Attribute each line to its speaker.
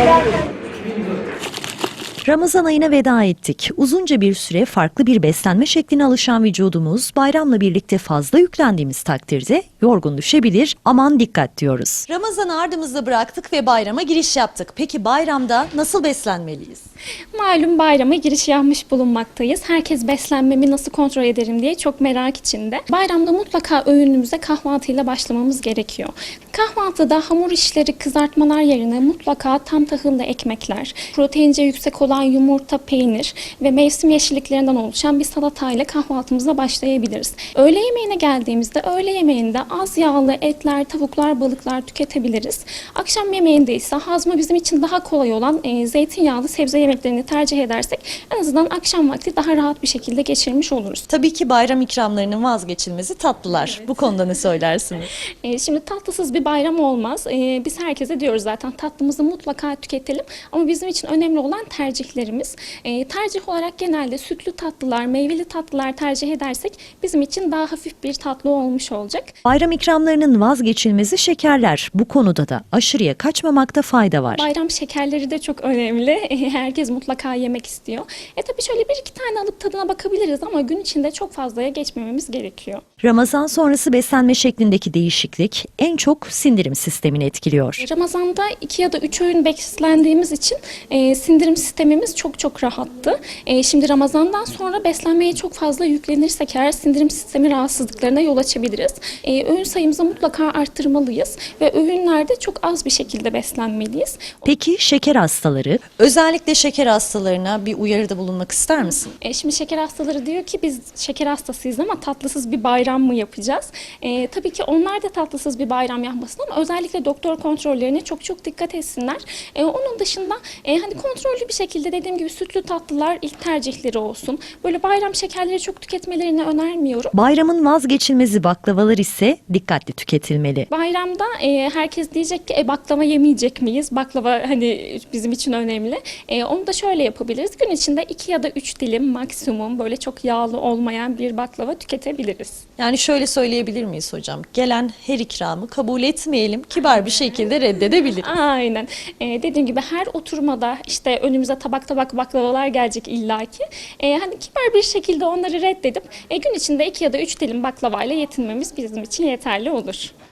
Speaker 1: Ramazan ayına veda ettik. Uzunca bir süre farklı bir beslenme şekline alışan vücudumuz bayramla birlikte fazla yüklendiğimiz takdirde yorgun düşebilir. Aman dikkat diyoruz. Ramazan'ı ardımızda bıraktık ve bayrama giriş yaptık. Peki bayramda nasıl beslenmeliyiz?
Speaker 2: Malum bayrama giriş yapmış bulunmaktayız. Herkes beslenmemi nasıl kontrol ederim diye çok merak içinde. Bayramda mutlaka öğünümüze kahvaltıyla başlamamız gerekiyor. Kahvaltıda hamur işleri, kızartmalar yerine mutlaka tam tahıllı ekmekler, proteince yüksek olan yumurta, peynir ve mevsim yeşilliklerinden oluşan bir salatayla kahvaltımıza başlayabiliriz. Öğle yemeğine geldiğimizde öğle yemeğinde az yağlı etler, tavuklar, balıklar tüketebiliriz. Akşam yemeğinde ise hazmı bizim için daha kolay olan zeytinyağlı sebze yemeklerini tercih edersek en azından akşam vakti daha rahat bir şekilde geçirmiş oluruz.
Speaker 1: Tabii ki bayram ikramlarının vazgeçilmezi tatlılar. Evet. Bu konuda ne söylersiniz?
Speaker 2: Şimdi tatlısız bir bayram olmaz. Biz herkese diyoruz zaten tatlımızı mutlaka tüketelim ama bizim için önemli olan tercihlerimiz. Tercih olarak genelde sütlü tatlılar, meyveli tatlılar tercih edersek bizim için daha hafif bir tatlı olmuş olacak.
Speaker 1: Bayram ikramlarının vazgeçilmezi şekerler. Bu konuda da aşırıya kaçmamakta fayda var.
Speaker 2: Bayram şekerleri de çok önemli. Herkes mutlaka yemek istiyor. Tabii şöyle bir iki tane alıp tadına bakabiliriz ama gün içinde çok fazlaya geçmememiz gerekiyor.
Speaker 1: Ramazan sonrası beslenme şeklindeki değişiklik en çok sindirim sistemini etkiliyor.
Speaker 2: Ramazan'da 2 ya da 3 öğün beslendiğimiz için sindirim sistemimiz çok rahattı. Şimdi Ramazan'dan sonra beslenmeye çok fazla yüklenirsek eğer sindirim sistemi rahatsızlıklarına yol açabiliriz. Öğün sayımızı mutlaka arttırmalıyız ve öğünlerde çok az bir şekilde beslenmeliyiz.
Speaker 1: Peki şeker hastaları? Özellikle şeker hastalarına bir uyarıda bulunmak ister misin?
Speaker 2: Şimdi şeker hastaları diyor ki biz şeker hastasıyız ama tatlısız bir bayram mı yapacağız? Tabii ki onlar da tatlısız bir bayram yapmasın ama özellikle doktor kontrollerine çok dikkat etsinler. Onun dışında hani kontrollü bir şekilde dediğim gibi sütlü tatlılar ilk tercihleri olsun. Böyle bayram şekerleri çok tüketmelerini önermiyorum.
Speaker 1: Bayramın vazgeçilmezi baklavalar ise dikkatli tüketilmeli.
Speaker 2: Bayramda herkes diyecek ki baklava yemeyecek miyiz? Baklava hani bizim için önemli. Onu da şöyle yapabiliriz. Gün içinde 2 ya da 3 dilim maksimum böyle çok yağlı olmayan bir baklava tüketebiliriz.
Speaker 1: Yani şöyle söyleyebilir miyiz hocam? Gelen her ikramı kabul etmeyelim, kibar bir şekilde reddedebiliriz.
Speaker 2: Aynen. Dediğim gibi her oturmada işte önümüze tabak baklavalar gelecek illaki. Hani kibar bir şekilde onları reddedip gün içinde 2 ya da 3 dilim baklavayla yetinmemiz bizim için yeterli olur.